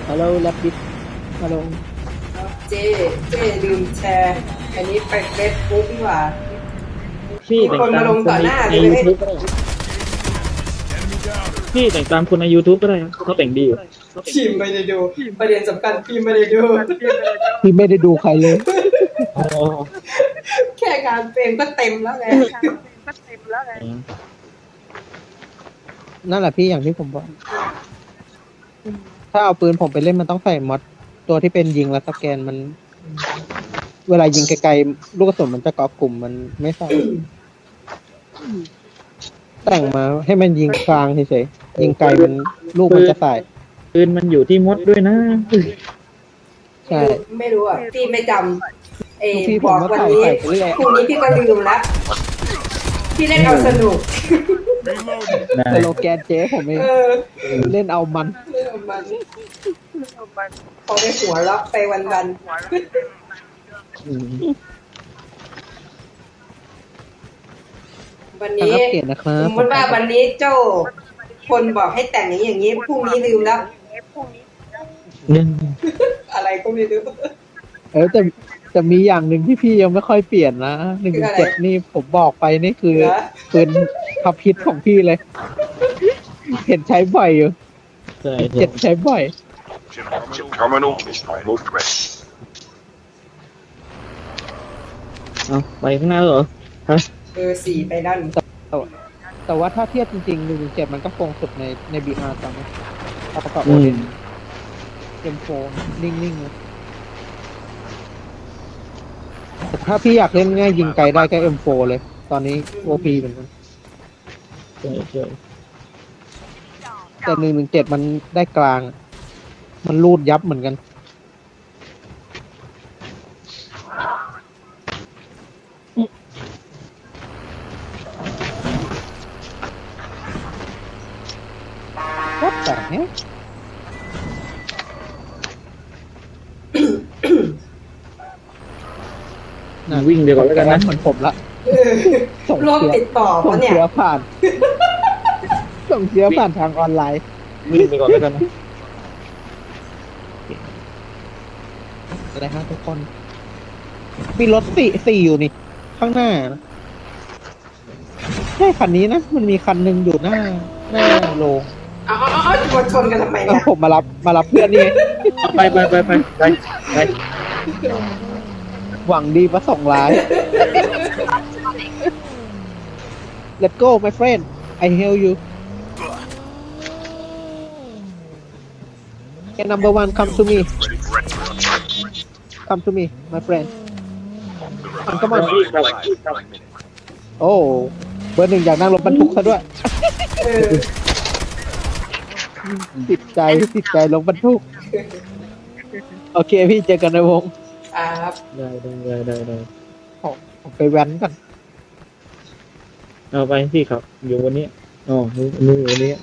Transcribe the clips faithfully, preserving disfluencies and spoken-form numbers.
ฮัลโหลแลบบิดฮัลโหลเจเจลืมแชร์อันนี้ไปเฟซบุ๊กดีกว่าพี่แต่งตามคนในยูทูบก็ได้พี่แต่งตามคนในยูทูบก็ได้เขาแต่งดีอยู่พิมไม่ได้ดูประเด็นสำคัญพิมไม่ได้ดูพี่ไม่ได้ดูใครเลยแค่การเพลงก็เต็มแล้วไงนั่นแหละพี่อย่างที่ผมบอกถ้าเอาปืนผมไปเล่นมันต้องใส่มอดตัวที่เป็นยิงแล้วสแกนมันเวลายิงไกลๆลูกกระสุนมันจะเกาะกลุ่มมันไม่ใส่แต่งมาให้มันยิงกลางเฉยๆยิงไกลมันลูกมันจะใส่ปืนมันอยู่ที่มดด้วยนะใช่ไม่รู้อ่ะพี่ไม่จำเอบอกวันนี้พรุ่งนี้พี่ก็ลืมแล้วพี่เล่นเอาสนุกสโลแกนเจ๊ผมเองเล่นเอามันเล่นเอามันพอไปหัวล็อกไปวันวันวันนี้สมมติว่าวันนี้เจ้าคนบอกให้แต่งอย่างนี้อย่างนี้พรุ่งนี้ลืมแล้วอะไรก็ไม่รู้เออแต่จะมีอย่างหนึ่งที่พี่ยังไม่ค่อยเปลี่ยนนะหนึ่งเจ็ดนี่ผมบอกไปนี่คือปืนพับพิษของพี่เลยเห็นใช้บ่อยอยู่เจ็ดใช้บ่อยเอาไปข้างหน้าเหรอฮะเออสี่ไปด้านแต่แต่ว่าถ้าเทียบจริงๆหนึ่งเจ็ดมันก็คงสุดในในบีอาร์ตอนนี้เอาประกอบโอเดนเอ็มโฟนิ่งๆนะถ้าพี่อยากเล่นง่ายยิงไกลได้ก็ เอ็ม โฟร์ เลยตอนนี้ โอ พี เหมือนกันใช่ใช่แต่หนึ่งหนึ่งเจ็ดมันได้กลางมันรูดยับเหมือนกันวัดแต่เนี้ยวิ่งเดี๋ยวก่อนแล้วกันนะเหมือนผมละส่งเชื้อติดต่อส่งเชื้อผ่านส่งเชื้อผ่านทางออนไลน์วิ่งไปก่อนแล้วกันนะอะไรฮะทุกคนมีรถสี่สี่อยู่นี่ข้างหน้านะใช่คันนี้นะมันมีคันหนึ่งอยู่หน้าหน้าโรงอ๋ออ๋อจะชนกันทำไมเนี่ยผมมารับมารับเพื่อนนี่ไปไปไปไปไปไปหวังดีประสงค์ร้าย Let's go my friend I help you Okay number one come to me come to me my friend come come on โอ้เบอร์หนึ่งอยากนั่งรถบรรทุกซะด้วยติดใจติดใจรถบรรทุกโอเคพี่เจอกันในวงครับได้ได้ได้ได้ผมไปแว้นกันเอาไปสิครับอยู่วันนี้อ๋อนี่นี่วันนี้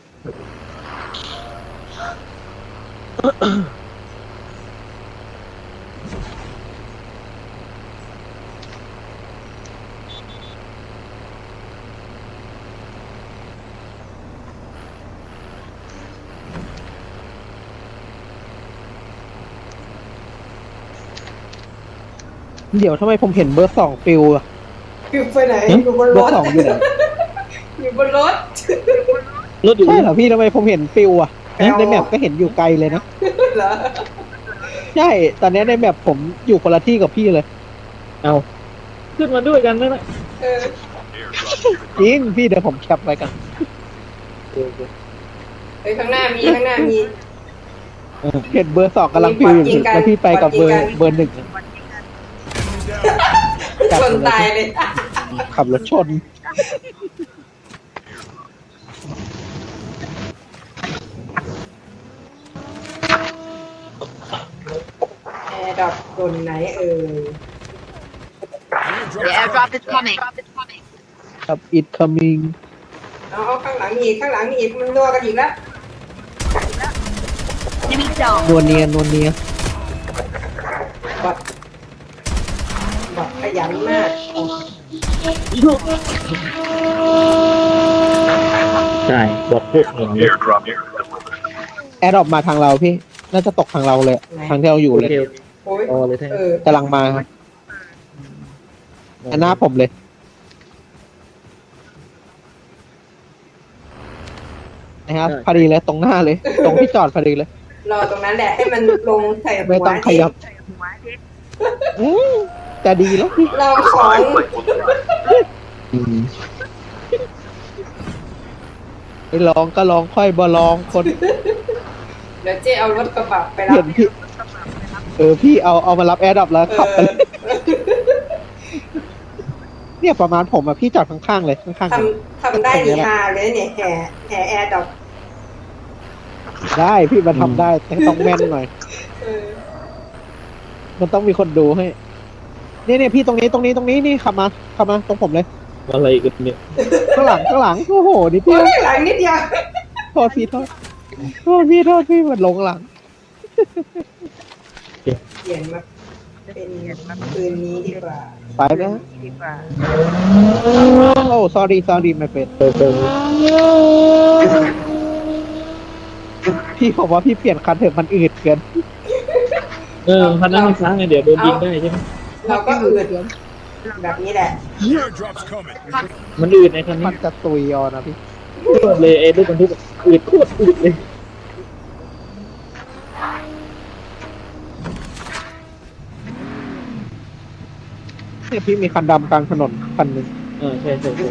เดี๋ยวทำไมผมเห็นเบอร์สองปิวอะปิวไปไหนอยู่บนรถเบอร์สองอยู่ไหนอยู่บนรถรถอยู่ใช่เหรอพี่ทำไมผมเห็นปิวอะในแมปก็เห็นอยู่ไกลเลยนะเหรอใช่ตอนนี้ในแมปผมอยู่คนละที่กับพี่เลยเอาขึ้นมาด้วยกันไหมนะจริงพี่เดี๋ยวผมแคปไว้กันไปข้างหน้ามีข้างหน้ามีเห็นเบอร์สองกำลังปิวอยู่แล้วพี่ไปกับเบอร์เบอร์หนึ่งชนตายเลยขับรถชนแอร์ดรอปบนไหนเอ่ย The airdrop is coming ครับ it coming เอาข้างหลังมีข้างหลังมีอีกมันนัวกันอีกแล้วนวลเนียนวลเนียบัดบัดขยันมากใช่บอดพูดอย่างนี้แอร์ดรอปมาทางเราพี่น่าจะตกทางเราเลยทางที่เราอยู่โอเลยเคโอ้ยโอ้เลยท่านเออกำลังมาครับอันหน้าผมเลยนะครับพอดีเลยตรงหน้าเลย ตรงที่จอดพอดีเลยรอตรงนั้นแหละให้มันลงใส่หัวไม่ต้องขยับอืมจะดีแล้วพี่ลองของไอ้ลองก็ลองค่อยบ่ลองคนเดี๋ยวเจ๊เอารถกระบะไปรัเห็บนพี่ เออพี่เอาเอามารับแอร์ดรอปแล้วเอขับไปอเลยเนี่ยประมาณผมอะพี่จอดข้างๆเลยข้างๆทผมำทำได้ดีฮาเลยเนี่ยแห่แห่แอร์ดอกได้พี่มันทำได้แต่ต้องแม่นหน่อยเออมันต้องมีคนดูให้เนี่ยเนี่ยพี่ตรงนี้ตรงนี้ตรงนี้นี่ขับมาขับมาตรงผมเลยอะไรกันเนี่ยข้างหลังข้างหลังโอ้โหนี่โอ้พี่ยหลังนิดเดียวโทษพี่โทษโทษพี่โทษพี่มันลงหลังเปลี่ยนมาเป็นปืนนี้ดีกว่าไปไหมฮะโอ้ sorry sorry ไม่เป็นเออเออพี่บอกว่าพี่เปลี่ยนคันเถอะมันอืดเกินเออพันนั้นมันค้างไงเดี๋ยวโดนยิงได้ใช่ไหมเราก็อืดแบบนี้แหละ Airdrop's coming. มันอืดในคันมันี้นจะตุยเออนะพี่เลยไอ้ลูกบรรทุกอืดโคตรอืดเลยเนี่ยพี่มีคันดำกลางถนนคันหนึ่งเออใช่ใช่ใช่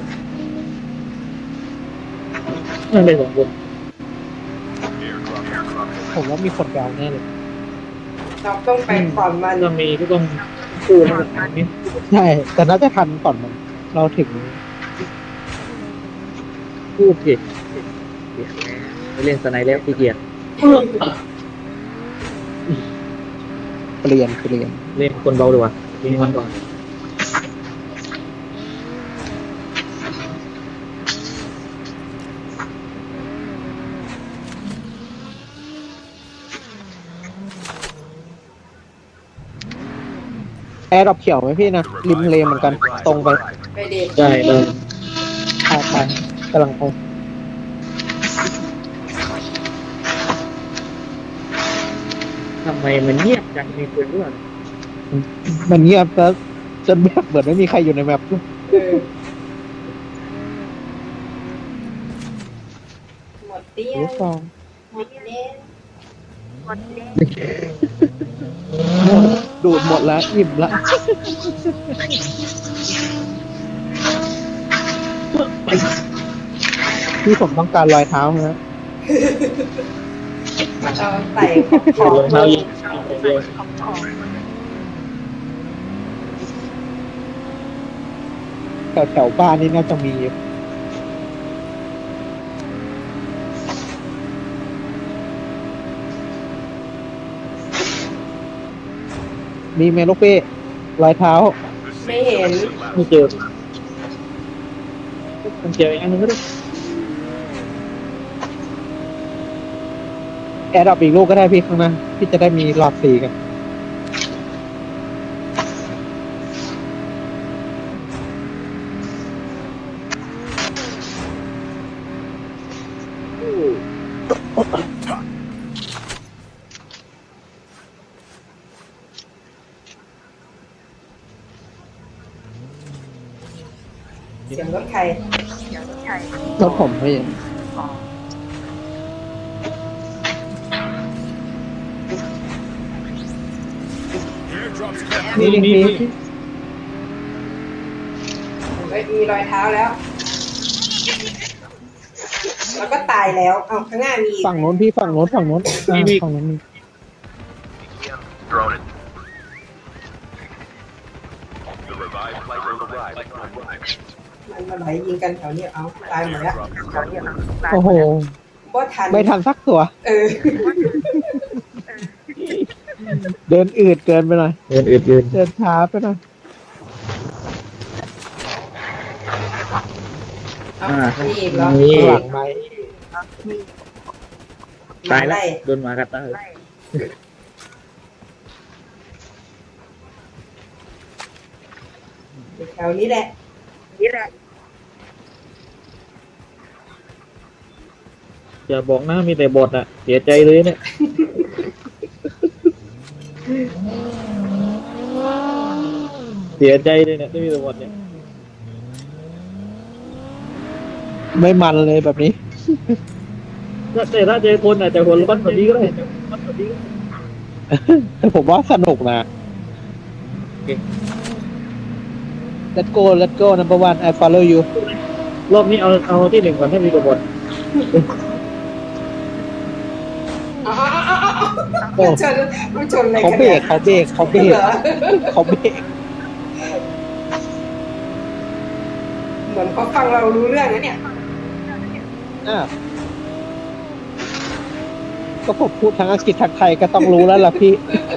นั่นเลยสองคนผมว่ามีคนแบวแน่เลยเราต้องไปก่อนมันถ้ามีก็ต้องคู่แล้วแบบนี้ใช่ แต่น่าจะทันก่อนมัน เราถึงคู่เกียรไปเล่นสไนแล้วพี่เกียรเปลี่ยนเปลี่ยนเล่นคนเบาดีกว่ามีมันก่อนแอร์ดรอปเขียวไหมพี่นะริมทะเลเหมือนกัน ตรงไปไปเด็ดใช่เลยไปไปกำลังไปทำไมมันเงียบจังมีคนด้วยมันเงียบแล้วจนแบบเหมือนไม่มีใครอยู่ในแมปเออหมดเตี้ยรู้ฟองหมดเล่นดูดหมดแล้วอิ่มละพี่ผมต้องการรอยเท้านะเราใส่ขรออง งเท้ายิงเดียวแถวแถวบ้านนี่น่าจะมีอยู่มีเมลูกเป้รอยเท้าไม่เห็นไม่เจอมันเจออีกอันนึงก็ได้แอร์ดรอปอีกลูกก็ได้พี่ข้างหน้าพี่จะได้มีหลอดสีกันเสียงรถใครรถผมพี่ Airdrop's coming. นี่นี่นี่เฮ้ยมีรอยเท้าแล้ว แล้วก็ตายแล้วเอาข้างหน้ามีอีกฝั่งโน้นพี่ฝั่งโน้นฝั่งโน้นอ่าฝั่งโน้นมี Drone it. The revived flight will arrive. มันมาไหลยิงกันแถวนี้เอาตายหมดแล้วโอ้โหบ่ทันไม่ทันสักตัวเออเดินอืดเกินไปหน่อยเดินอืดยืนเดินช้าไปหน่อยเอามีอีกเหรอนี่หลังไหมตายแล้วไล่โดนหมากัดตายแถวนี้แหละอย่าบอกนะมีแต่บอทอะเสียใจเลยเนี่ยเสียใจเลยเนี่ยที่มีตัวหมดเนี่ยไม่มันเลยแบบนี้ถ้าแต่ถ้าเจอคนอาจจะหัวร้อนกว่านี้ก็ได้แต่ผมว่าสนุกนะ Let's go Let's go number one I follow you รอบนี้เอาเอาที่หนึ่งก่อนให้มีตัวบอลอ๋อมันชนมันชนอะไรเขากันเบรเนี่ยกเขาเบรกเขาเบรกเหรอเขาเบรกเหมือนเขาฟังเรารู้เรื่องนะเนี่ยอ่ะก็ผมพูดทั้งอังกฤษทั้งไทยก็ต้องรู้แล้วล่ะพี่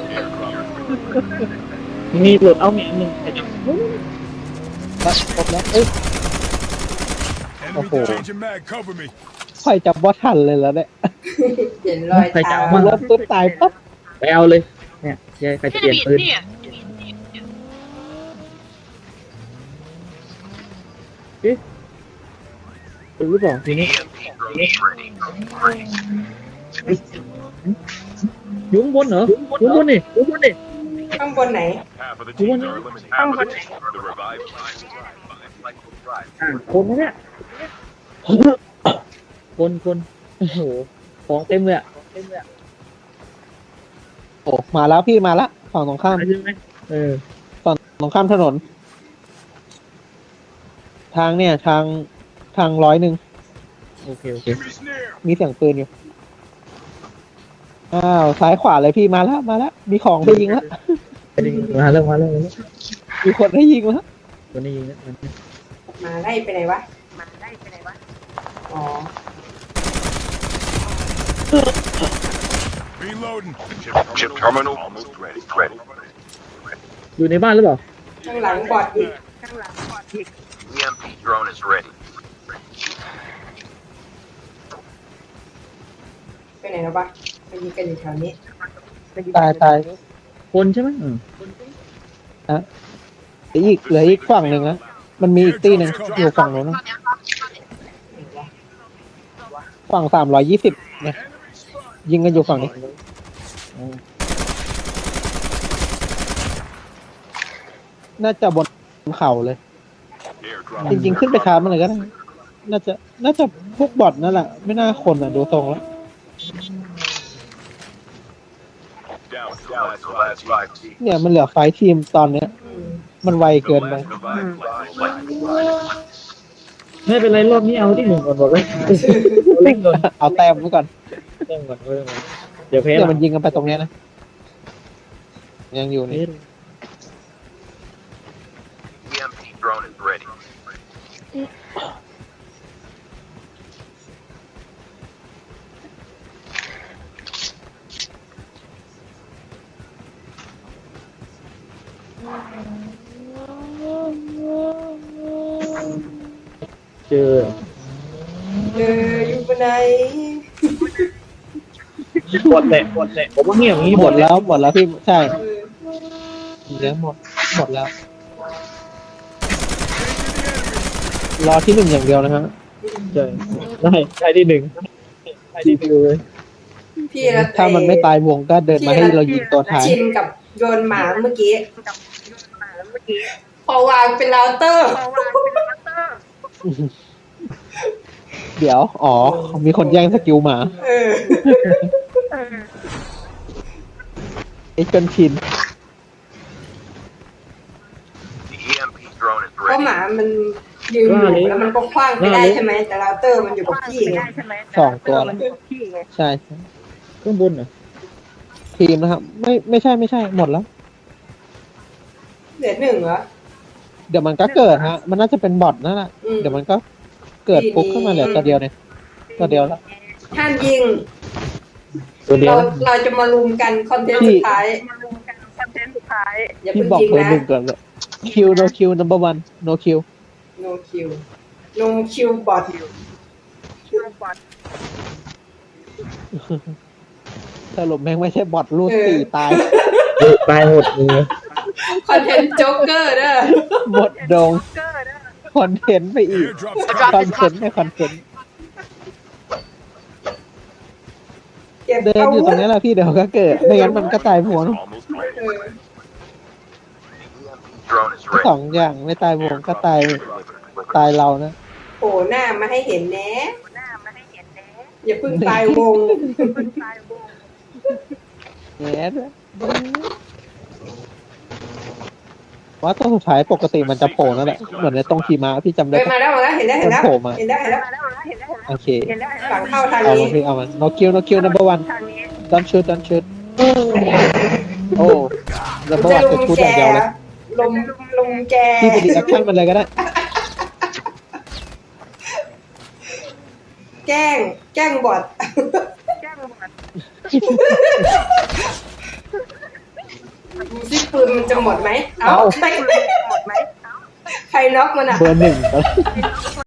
มีหลุดเอามีอันหนึ่งแล้วจบแล้วเอ้ย Enemy Oh. changing mag. Cover me. ค่อยจับว่าทันเลยแล้วเนี่ยเห็นรอยเท้ามันเริ่มปุ๊บตายปั๊บไปเอาเลยเนี่ยยายใครจะเปลี่ยนปืนเอ๊ะปืนหรือเปล่าทีนี้อยุ่ข้างบนเหรออยุ่ข้างบนนี่อยุ่ข้างบนนี่ข้างบนไหน Half of the teams are eliminated. Half of the teams. The revived flight will arrive. อ่ะคนนะเนี่ยคนคนโอ้โหของเต็มเลยอ่ะของเต็มเลยอ่ะโอ้มาแล้วพี่มาแล้วฝั่งตรงข้ามใช่ไหมเออฝั่งตรงข้ามถนน ทางเนี่ย ทางทางร้อยหนึ่งโอเคโอเค Enemy's near. มีเสียงปืนอยู่ อ้าวซ้ายขวาเลยพี่มาแล้วมาแล้ว มีของไปยิงแล้วไปดิมาเริ่มมาเริ่มมาเริ่มมีคนให้ยิงแล้ววันนี้ยิงนะมาไล่ไปไหนวะ มาไล่ไปไหนวะ อ๋อ Reloading. Chip, chip terminal almost ready. Ready. อยู่ในบ้านหรือเปล่าข้างหลังบอดอีก E M P drone is ready. ไปไหนแล้ววะมายิงกันอยู่แถวนี้ตายตายคนใช่ไหมอืมฮะเหลืออีกเหลืออีกฝั่งหนึ่งนะมันมีอีกตีหนึ่งอยู่ฝั่งนู้นนะฝั่งสามร้อยยี่สิบเนี่ยยิงกันอยู่ฝั่งนี้ น่าจะบนเขาเลย Airdrop. จริงๆ ขึ้นไปชาร์จมันเลยก็ได้ น่าจะ น่าจะพวกบอทนั่นแหละ ไม่น่าคนอ่ะ ดูทรงแล้ว Down to the last five teams. เนี่ยมันเหลือไฟท์ทีมตอนเนี้ยอืมมันไวเกินไป Revived flight will arrive. ไม่เป็นไรรอบนี้เอาที่หนึ่งก่อนบอกเลยเล่นก่อนเอาแต้มไว้ก่อนเล่นก่อนเล่นก่อนเดี๋ยวแพ้เดี๋ยวหลัมันงยิงกันไปตรงเนี้ยนะ ยังอยู่นี่ E M P drone is ready. เจอเอออยู่บนไหนบดแหละบดแหละผมว่าเงียบอย่างนี้หบมดดแล้วแล้วหมดแล้วพี่ ใช่เออเดี๋ยวหมด หมดแล้ว รอที่หนึ่งอย่างเดียวนะฮะใช่ได้ได้ที่หนึ่งได้ที่ฟิวเลยพี่ละถ้ามันไม่ตายวงก็เดินมาให้เรายิงตัวท้ายชินกับโดนหมาเมื่อกี้ พอวางเป็นเราเตอร์เดี๋ยว อ๋อ มีคนแย่งสกิลหมาเออไอ้จนชิน The E M P drone is เพราะ ready. หมามันยืนอยู่แล้วมันก็คว้างไปได้ใช่ไหม แต่เราเตอร์มันอยู่กับพี่ไงสองตัวแล้วใช่ข้างบนเหรอทีมนะครับ ไม่ไม่ใช่ไม่ใช่หมดแล้วเหลือหนึ่งเหรอเดี๋ยวมันก็เกิดฮะ มันน่าจะเป็นบอทนั่นแหละอืมเดี๋ยวมันก็เกิดปุ๊บขึ้นมาเหลือตัวเดียวเนี่ยตัวเดียวแล้วห้ามยิงตัวเดียเราวเราจะมารุมกันคอนเทนต์พี่สุดท้ายอย่าพี่เพิ่งบอกยิงเบอร์นะหนึ่งก่อนเลยคิว no คิว number one no คิว no kill no kill bot สรุปแม่งไม่ใช่บอทรูดสี่ตายตายหมดเลยคอนเทนต์โจ๊กเกอร์เด้อหมดโดงคอนเทนต์ไปอีก Airdrop's คอน coming. เทนต์ไม่คอนเทนต์เก็บเดินอาอยู่ตวุรธงนี้แหละพี่เดี๋ยวก็เกิด ไม่งั้นมันก็ตายหัวเนอะ Almost ready. อ Drone is สอ ready. งอย่างไม่ตายวงก็ตายตายเรานะโผล่หน้ามาให้เห็นแนะอย่าเพิ่งตายวงแง่ว่าตัวสุดท้ายปกติมันจะโผล่นั่นแหละเหมือนในตรงขี่ม้าพี่จำได้เฮ้ยปะมาแล้วมาแล้วเห็นแล้วเห็นแล้วมันโผล่มาเห็นแล้วเห็นแล้วโอเคฝั่งเข้าทางเอานี้มาพี่เอามัน no kill no kill number one don't shoot don't shoot โอ้ number จะ one ลุจะมพูดแกอย่างเดียวเลยลุมลุมแกพี่ไปดีแอคชั่นมันเลยก็ได้แกล้ง แกล้งบอดดูสิปืนมันจะหมดไหม เอ้าเอาใครใครน็อกมันอ่ะเบอร์หนึ่ง